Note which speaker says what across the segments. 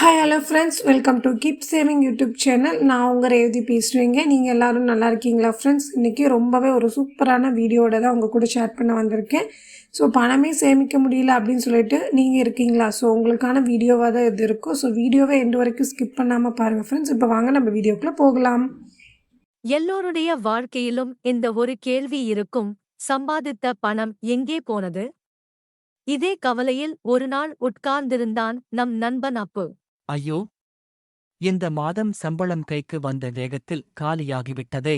Speaker 1: Hi hello friends, welcome to keep saving YouTube channel. நான் உங்கள் ரேவதி பேசுகிறேங்க. நீங்கள் எல்லோரும் நல்லா இருக்கீங்களா ஃப்ரெண்ட்ஸ்? இன்றைக்கி ரொம்பவே ஒரு சூப்பரான வீடியோட தான் உங்கள் கூட ஷேர் பண்ண வந்திருக்கேன். ஸோ பணமே சேமிக்க முடியல அப்படின்னு சொல்லிட்டு நீங்கள் இருக்கீங்களா? ஸோ உங்களுக்கான வீடியோவாக தான் இது இருக்கும். ஸோ வீடியோவை எண்டு வரைக்கும் ஸ்கிப் பண்ணாமல் பாருங்கள் ஃப்ரெண்ட்ஸ். இப்போ வாங்க நம்ம வீடியோக்குள்ளே போகலாம்.
Speaker 2: எல்லோருடைய வாழ்க்கையிலும் இந்த ஒரு கேள்வி இருக்கும், சம்பாதித்த பணம் எங்கே போனது? இதே கவலையில் ஒரு நாள் உட்கார்ந்திருந்தான் நம் நண்பன் அப்பு.
Speaker 3: ஐயோ, இந்த மாதம் சம்பளம் கைக்கு வந்த வேகத்தில் காலியாகிவிட்டதே.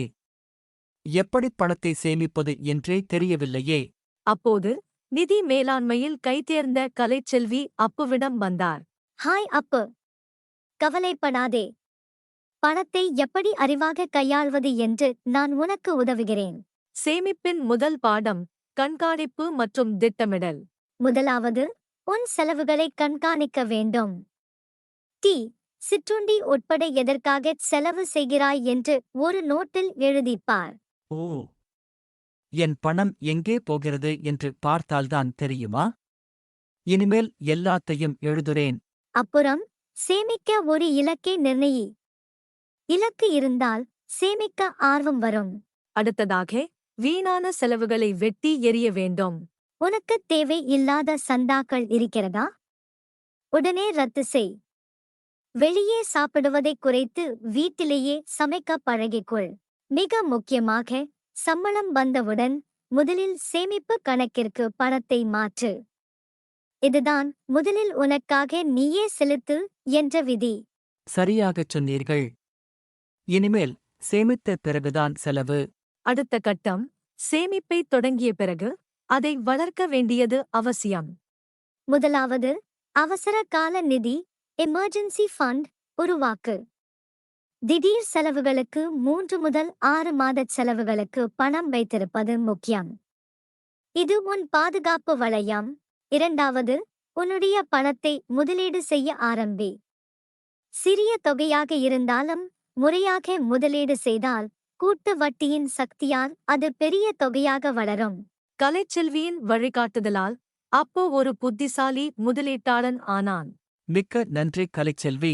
Speaker 3: எப்படி பணத்தை சேமிப்பது என்றே தெரியவில்லையே.
Speaker 2: அப்போது நிதி மேலாண்மையில் கைதேர்ந்த கலைச்செல்வி அப்புவிடம் வந்தார்.
Speaker 4: ஹாய் அப்பு, கவலைப்படாதே. பணத்தை எப்படி அறிவாக கையாள்வது என்று நான் உனக்கு உதவுகிறேன்.
Speaker 2: சேமிப்பின் முதல் பாடம் கண்காணிப்பு மற்றும் திட்டமிடல்.
Speaker 4: முதலாவது, உன் செலவுகளை கண்காணிக்க வேண்டும். டீ, சிற்றுண்டி உட்பட எதற்காக செலவு செய்கிறாய் என்று ஒரு நோட்டில் எழுதிப்பார்.
Speaker 3: ஓ, என் பணம் எங்கே போகிறது என்று பார்த்தால்தான் தெரியுமா? இனிமேல் எல்லாத்தையும் எழுதுறேன்.
Speaker 4: அப்புறம் சேமிக்க ஒரு இலக்கை நிர்ணயி. இலக்கு இருந்தால் சேமிக்க ஆர்வம் வரும்.
Speaker 2: அடுத்ததாக வீணான செலவுகளை வெட்டி எறிய வேண்டும்.
Speaker 4: உனக்கு தேவை இல்லாத சந்தாக்கள் இருக்கிறதா? உடனே ரத்து செய். வெளியே சாப்பிடுவதை குறைத்து வீட்டிலேயே சமைக்க பழகிக்கொள். மிக முக்கியமாக, சம்பளம் வந்தவுடன் முதலில் சேமிப்பு கணக்கிற்கு பணத்தை மாற்று. இதுதான் முதலில் உனக்காக நீயே செலுத்து என்ற விதி.
Speaker 3: சரியாகச் சொன்னீர்கள். இனிமேல் சேமித்த பிறகுதான் செலவு.
Speaker 2: அடுத்த கட்டம், சேமிப்பை தொடங்கிய பிறகு அதை வளர்க்க வேண்டியது அவசியம்.
Speaker 4: முதலாவது, அவசர கால நிதி எமர்ஜென்சி ஃபண்ட் உருவாக்கு. திடீர் செலவுகளுக்கு 3 முதல் 6 மாத செலவுகளுக்கு பணம் வைத்திருப்பது முக்கியம். இது உன் பாதுகாப்பு வளையம். இரண்டாவது, உன்னுடைய பணத்தை முதலீடு செய்ய ஆரம்பி. சிறிய தொகையாக இருந்தாலும் முறையாக முதலீடு செய்தால் கூட்டு வட்டியின் சக்தியால் அது பெரிய தொகையாக வளரும்.
Speaker 2: கலைச்செல்வியின் வழிகாட்டுதலால் அப்போ ஒரு புத்திசாலி முதலீட்டாளன் ஆனான்.
Speaker 3: மிக்க நன்றி கலைச்செல்வி.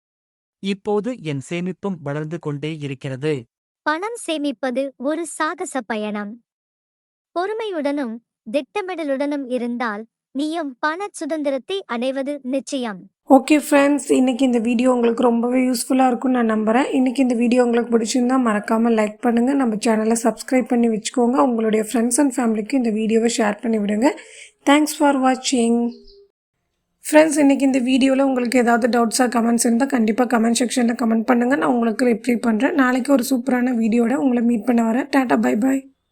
Speaker 3: இப்போது என் சேமிப்பும் வளர்ந்து கொண்டே இருக்கிறது.
Speaker 4: பணம் சேமிப்பது ஒரு சாகச பயணம். பொறுமையுடனும் திட்டமிடலுடனும் இருந்தால் நீயும் பண சுதந்திரத்தை அடைவது நிச்சயம்.
Speaker 1: ஓகே ஃப்ரெண்ட்ஸ், இன்றைக்கி இந்த வீடியோ உங்களுக்கு ரொம்பவே யூஸ்ஃபுல்லாக இருக்கும்னு நான் நம்புகிறேன். இன்றைக்கி இந்த வீடியோ உங்களுக்கு பிடிச்சிருந்தா மறக்காமல் லைக் பண்ணுங்கள். நம்ம சேனலை சப்ஸ்கிரைப் பண்ணி வச்சுக்கோங்க. உங்களுடைய ஃப்ரெண்ட்ஸ் அண்ட் ஃபேமிலிக்கு இந்த வீடியோவை ஷேர் பண்ணி விடுங்க. தேங்க்ஸ் ஃபார் வாட்சிங். ஃப்ரெண்ட்ஸ், இன்றைக்கி இந்த வீடியோவில் உங்களுக்கு ஏதாவது டவுட்ஸாக கமெண்ட்ஸ் இருந்தால் கண்டிப்பாக கமெண்ட் செக்ஷனில் கமெண்ட் பண்ணுங்கள். நான் உங்களுக்கு ரிப்ளை பண்ணுறேன். நாளைக்கு ஒரு சூப்பரான வீடியோட உங்களை மீட் பண்ண வரேன். டாடா, பை பாய்.